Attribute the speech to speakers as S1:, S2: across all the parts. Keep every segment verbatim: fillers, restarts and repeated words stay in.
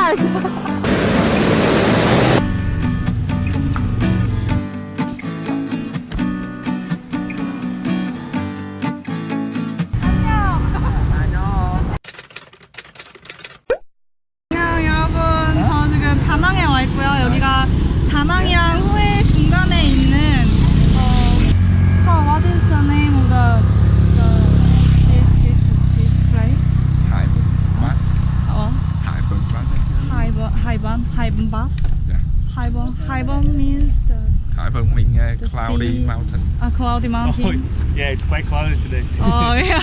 S1: hard. 안녕 여러분, 저 지금 다낭에 와 있고요. 여기가 다낭이랑 후에 중간에 있는 어, oh, what is the name of the, the this, this, this place?
S2: Hyben Bas.
S1: 어,
S2: Hyben Bas.
S1: 하이번, 하이번, 하이번 바?
S2: Yeah.
S1: 하이번, 하이번 means the,
S2: Hyben means uh,
S1: the
S2: cloudy
S1: sea.
S2: mountain.
S1: 아, cloudy
S3: Oh,
S1: mountain.
S3: yeah, it's quite cloudy today.
S1: Oh, yeah.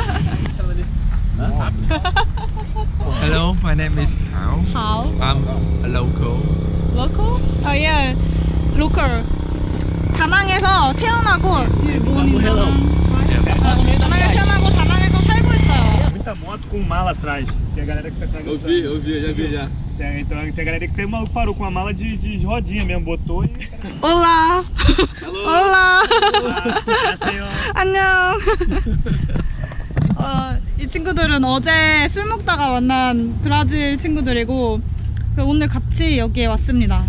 S2: Hello, my name is Hao.
S1: How?
S2: I'm a local.
S1: Local? Oh, yeah. Local. 다낭에서 태어나고 일본이랑
S2: Yes.
S1: 다낭에 태어나고 다낭에서 살고 있어요.
S3: Muita moto com mala atrás. Tem a galera que tá atrás.
S4: Eu vi, eu vi, já vi já.
S3: Tem, então, tem a galera que tem uma parou com a mala de, de rodinha mesmo, botou e.
S1: 올라. 올라.
S3: Nasceu.
S1: 안녕. 어, 이 친구들은 어제 술 먹다가 만난 브라질 친구들이고 오늘 같이 여기에 왔습니다.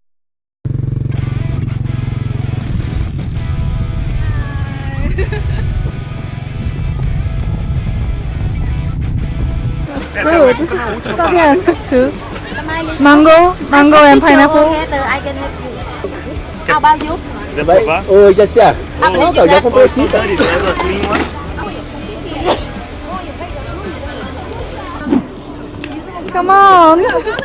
S1: Good. Está bien. Two. Mango, mango and pineapple.
S5: I can help you. Ao bao nhiêu?
S3: Quiser provar?
S4: Oi, Jéssica.
S5: Ah,
S4: Não, eu já comprei aqui, cara.
S3: Clean one.
S1: Come on.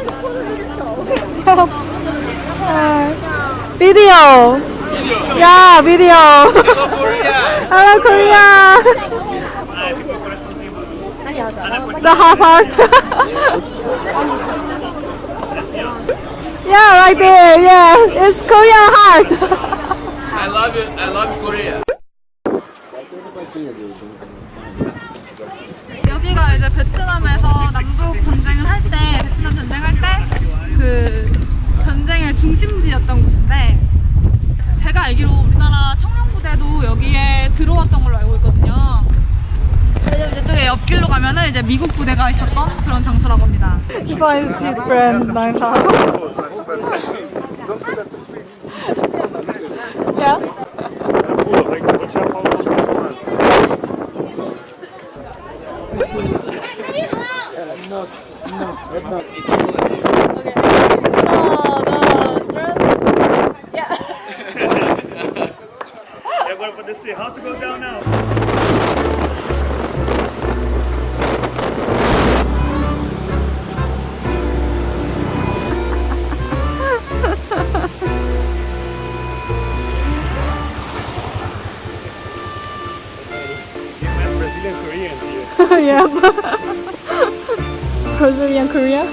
S1: Video. Yeah, video. Hello, Korea. The hard part. Yeah, right there. Yeah, it's Korean heart.
S4: I love it, I love Korea.
S1: 여기가 이제 베트남에서 남북 전쟁을 할 때, 베트남 전쟁할 때 그 전쟁의 중심지였던 곳인데 제가 알기로 우리나라 청룡부대도 여기에 들어왔던 걸로 알고 있거든요. 왜냐면 이쪽에 옆길로 가면은 이제 미국 부대가 있었던 그런 장소라고 합니다. Ivan is his friend, nice house. Yeah.
S3: Pula, vai, vou tirar a palma do outro. E agora pra descer, how to go down now? You met Brazilian Koreans here.
S1: Yeah. Brazilian Korea.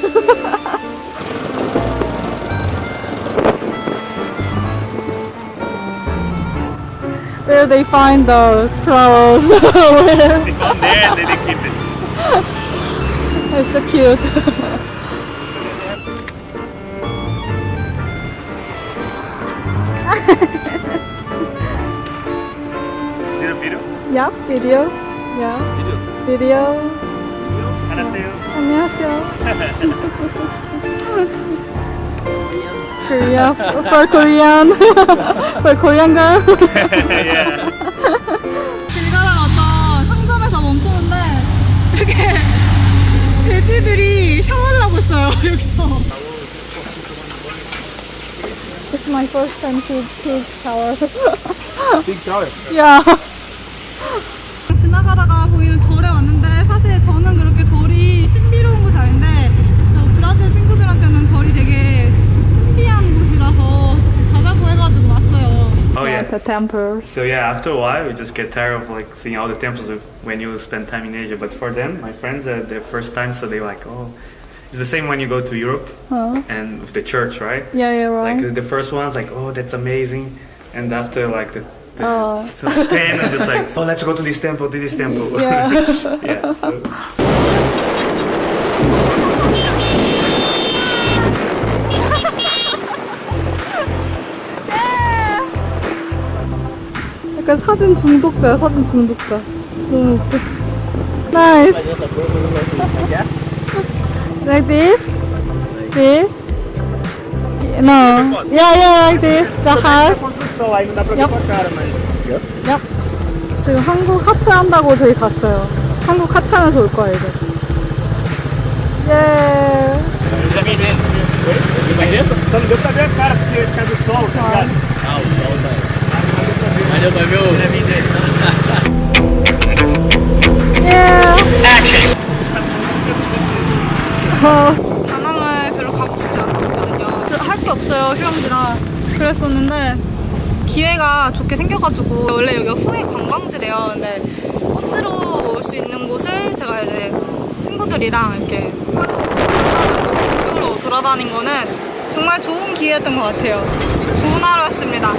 S1: Where they find the flowers. Where?
S3: They go there and then they keep it.
S1: It's so cute.
S3: See the video?
S1: Yeah, video. Yeah. Video.
S3: 안녕하세요.
S1: 안녕하세요. Korea for Korean. For Korean girl.
S3: Yeah.
S1: 길 가다가 어떤 상점에서 멈췄는데 이렇게 돼지들이 샤워를 하고 있어요 여기서. It's my first time to take shower.
S4: Big shower.
S1: Yeah. 지나가다가 보이는 절에 왔는데 사실 저는 그렇게 절이 신비로운 곳이 아닌데 저 브라질 친구들한테는 절이 되게 신비한 곳이라서 가자고 해가지고 왔어요.
S3: Oh, yeah.
S1: The temple.
S3: So yeah, after a while, we just get tired of like seeing all the temples of when you spend time in Asia. But for them, my friends, uh, their first time, so they were like, oh, it's the same when you go to Europe
S1: Huh?
S3: and with the church, right?
S1: Yeah, yeah, right.
S3: Like the, the first one's like, oh, that's amazing, and after like the, the
S1: Oh.
S3: th- ten, I'm just like, oh, let's go to this temple, to this temple.
S1: Yeah.
S3: Yeah. So.
S1: 약간 사진 중독자야, 사진 중독자. 너무 웃겨. Nice. Like this? This? No. Yeah, yeah, like this. The house.
S4: Construção, aí não dá pra ver
S1: Yep.
S4: com a cara, mas.
S1: Yep. 지금 한국 하트 한다고 저희 갔어요. 한국 하트 하면서 올 거예요, 이제. 예.
S4: Já vi dentro. Só não deu pra ver a cara porque ia ficar do sol, tá ligado? Ah, o sol, tá. Mas deu pra ver o. Já vi dentro.
S1: 예. 어, 다낭을 별로 가고 싶지 않았었거든요. 할 게 없어요, 휴양지라. 그랬었는데 기회가 좋게 생겨가지고 원래 여기가 후회 관광지래요. 근데 버스로 올 수 있는 곳을 제가 이제 친구들이랑 이렇게 하루 돌아다니고 돌아다닌 거는 정말 좋은 기회였던 것 같아요. 좋은 하루였습니다.